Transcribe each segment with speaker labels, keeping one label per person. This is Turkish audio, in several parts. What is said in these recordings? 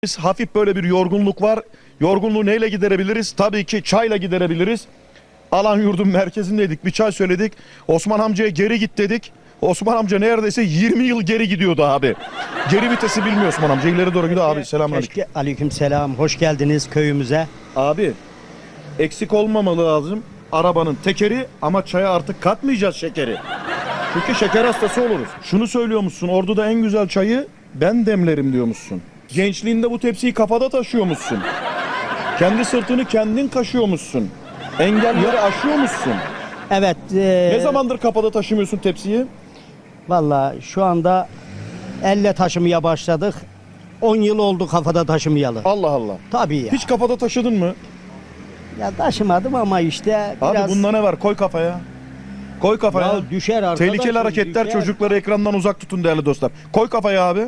Speaker 1: Hafif böyle bir yorgunluk var. Yorgunluğu neyle giderebiliriz? Tabii ki çayla giderebiliriz. Alan yurdun merkezindeydik. Bir çay söyledik. Osman amcaya geri git dedik. Osman amca neredeyse 20 yıl geri gidiyordu abi. Geri vitesi bilmiyor Osman amca. İleri doğru gidiyor abi. Selamünaleyküm.
Speaker 2: Aleykümselam. Hoş geldiniz köyümüze.
Speaker 1: Abi eksik olmamalı lazım arabanın tekeri ama çaya artık katmayacağız şekeri. Çünkü şeker hastası oluruz. Şunu söylüyormuşsun. Ordu'da en güzel çayı ben demlerim diyormuşsun. Gençliğinde bu tepsiyi kafada taşıyormuşsun. Kendi sırtını kendin kaşıyormuşsun. Engelleri aşıyormuşsun.
Speaker 2: Evet.
Speaker 1: Ne zamandır kafada taşımıyorsun tepsiyi?
Speaker 2: Valla şu anda elle taşımaya başladık. 10 yıl oldu kafada taşımayalı.
Speaker 1: Allah Allah.
Speaker 2: Tabii ya.
Speaker 1: Hiç kafada taşıdın mı?
Speaker 2: Ya taşımadım ama işte biraz...
Speaker 1: Abi bunda ne var? Koy kafaya. Koy kafaya.
Speaker 2: Ya düşer arkadaş.
Speaker 1: Tehlikeli hareketler,
Speaker 2: düşer.
Speaker 1: çocukları ekrandan uzak tutun değerli dostlar. Koy kafaya abi.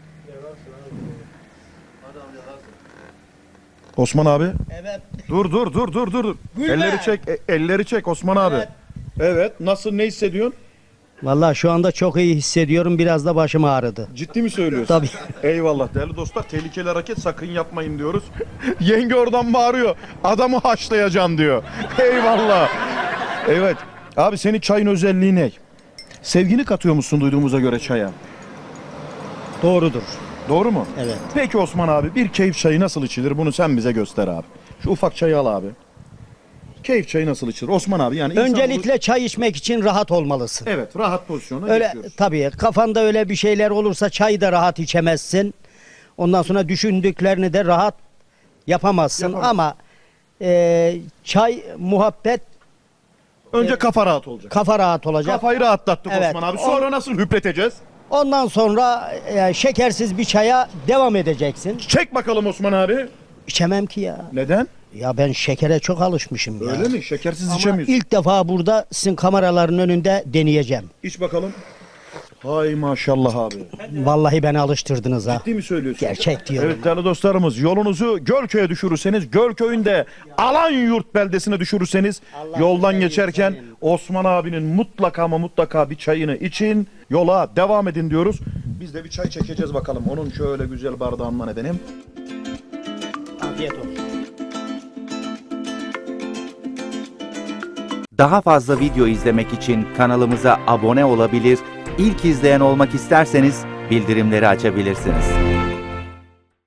Speaker 1: Osman abi.
Speaker 2: Evet.
Speaker 1: Dur.
Speaker 2: Gülme.
Speaker 1: Elleri çek, elleri çek Osman abi.
Speaker 2: Evet.
Speaker 1: Evet. Nasıl, ne hissediyorsun?
Speaker 2: Valla şu anda çok iyi hissediyorum. Biraz da başım ağrıdı.
Speaker 1: Ciddi mi söylüyorsun?
Speaker 2: Tabii.
Speaker 1: Eyvallah değerli dostlar. Tehlikeli hareket sakın yapmayın diyoruz. Yenge oradan bağırıyor. Adamı haşlayacaksın diyor. Eyvallah. Evet. Abi senin çayın özelliği ne? Sevgini katıyor musun duyduğumuza göre çaya?
Speaker 2: Doğrudur.
Speaker 1: Doğru mu?
Speaker 2: Evet.
Speaker 1: Peki Osman abi, bir keyif çayı nasıl içilir? Bunu sen bize göster abi. Şu ufak çayı al abi. Keyif çayı nasıl içilir? Osman abi yani insan
Speaker 2: Öncelikle çay içmek için rahat olmalısın.
Speaker 1: evet, rahat pozisyona
Speaker 2: Öyle
Speaker 1: geçiyoruz.
Speaker 2: tabii kafanda öyle bir şeyler olursa çayı da rahat içemezsin. Ondan sonra düşündüklerini de rahat yapamazsın.
Speaker 1: Yapamam.
Speaker 2: Ama çay muhabbet,
Speaker 1: Önce kafa rahat olacak.
Speaker 2: kafa rahat olacak.
Speaker 1: Kafayı rahatlattık
Speaker 2: Evet.
Speaker 1: Osman abi. Sonra nasıl hüpleteceğiz?
Speaker 2: Ondan sonra şekersiz bir çaya devam edeceksin.
Speaker 1: Çek bakalım Osman abi.
Speaker 2: İçemem ki ya.
Speaker 1: Neden?
Speaker 2: Ya ben şekere çok alışmışım ya.
Speaker 1: Öyle mi? Şekersiz
Speaker 2: Ama
Speaker 1: içemiyorsun.
Speaker 2: ilk defa burada sizin kameraların önünde deneyeceğim.
Speaker 1: İç bakalım. Hay maşallah abi.
Speaker 2: Vallahi beni alıştırdınız ha.
Speaker 1: Ciddi mi söylüyorsun?
Speaker 2: Gerçek diyorum.
Speaker 1: Evet değerli dostlarımız, yolunuzu Gölköy'e düşürürseniz, Gölköy'ünde Alanyurt beldesine düşürürseniz
Speaker 2: Allah
Speaker 1: yoldan
Speaker 2: güzel
Speaker 1: geçerken
Speaker 2: senin.
Speaker 1: Osman abinin mutlaka ama mutlaka bir çayını için, yola devam edin diyoruz. Biz de bir çay çekeceğiz bakalım. Onun şöyle güzel bardağından edelim.
Speaker 2: Afiyet olsun.
Speaker 3: Daha fazla video izlemek için kanalımıza abone olabilir, ilk izleyen olmak isterseniz bildirimleri açabilirsiniz.